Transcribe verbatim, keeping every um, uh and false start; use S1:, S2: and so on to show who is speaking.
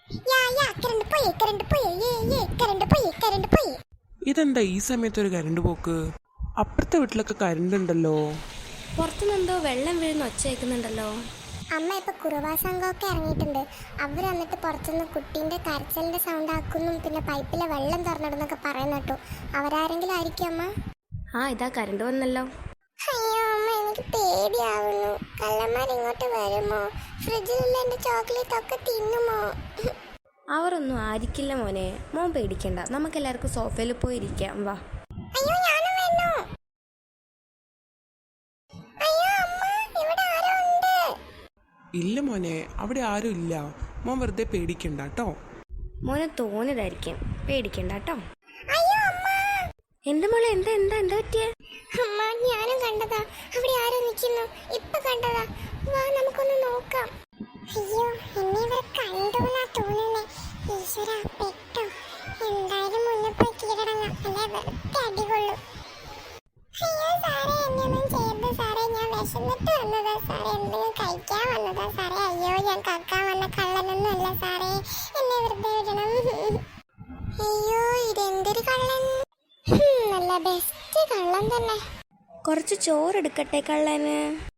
S1: യാ യാ current പോയി current പോയി ഏ ഏ കറണ്ട് പോയി കറണ്ട് പോയി.
S2: ഇതെന്താ ഈ സമയത്ത് ഒരു കരണ്ട് പോക്ക്? അപ്പുറത്തെ വീട്ടിലൊക്കെ കരണ്ട് ഉണ്ടല്ലോ.
S3: പുറത്തുനിന്നെന്തോ വെള്ളം വീഴുന്ന ഒച്ച കേൾക്കുന്നുണ്ടല്ലോ.
S1: അമ്മ ഇപ്പൊ കുറുവാ സംഘമൊക്കെ ഇറങ്ങിയിട്ടുണ്ട്. അവർ വന്നിട്ട് പുറത്തുനിന്ന് കുട്ടീന്റെ കരച്ചിലിന്റെ സൗണ്ട് ആക്കുന്നു, പിന്നെ പൈപ്പിലെ വെള്ളം തുറന്നിടുന്നൊക്കെ പറയുന്ന കേട്ടു. അവരാരെങ്കിലും ആയിരിക്കും അമ്മ?
S3: ആ ഇതാ കരണ്ട് വന്നല്ലോ.
S1: അയ്യോ അമ്മ, എനിക്ക് പേടിയാവുന്നു. കള്ളന്മാർ ഇങ്ങോട്ട് വരുമോ? ഫ്രിഡ്ജിലുള്ള എന്റെ ചോക്ലേറ്റ് ഒക്കെ തിന്നുമോ?
S3: അവരൊന്നും ആയിരിക്കില്ല മോനെ, മോൻ പേടിക്കണ്ട. നമുക്കെല്ലാവർക്കും സോഫയിൽ പോയി ഇരിക്കാം, വാ.
S1: അയ്യോ ഞാനും വരുന്നു. അയ്യോ അമ്മ, ഇവിടെ ആരോ ഉണ്ട്.
S2: ഇല്ല മോനെ, അവിടെ ആരും ഇല്ല. മോൻ വെറുതെ പേടിക്കണ്ട കേട്ടോ.
S3: മോനെ തോന്നിയതായിരിക്കും, പേടിക്കണ്ട കേട്ടോ.
S1: അയ്യോ അമ്മ.
S3: എന്റെ മോളെ എന്താ എന്താ എന്താ പറ്റിയേ?
S1: അമ്മ, ഞാനും കണ്ടതാ, അവിടെ ആരോ നിൽക്കുന്നു. ഇപ്പൊ കണ്ടതാ. വാ നമുക്കൊന്ന് നോക്കാം. അയ്യോ, എന്നെ ഇവർ കണ്ടുവെന്നാ തോന്നുന്നേ. ഈശ്വര, പെട്ടോ. എന്തായാലും മുന്നേ പോയി കീഴടങ്ങാം, അല്ലെ വെറുതെ അടികൊള്ളും. അയ്യോ സാറേ, എന്നെയൊന്നും ചെയ്യരുത് സാറേ. ഞാൻ വിശന്നിട്ട് വന്നതാ സാറേ, എന്തെങ്കിലും കഴിക്കാൻ വന്നതാ സാറേ. അയ്യോ, ഞാൻ കക്കാൻ വന്ന കള്ളനൊന്നും അല്ല സാറേ, എന്നെ വെറുതെ വിടണം. അയ്യോ, ഇതെന്തൊരു കള്ളൻ. നല്ല ബെസ്റ്റ് കള്ളൻ തന്നെ.
S3: കുറച്ച് ചോറെടുക്കട്ടെ കള്ളന്.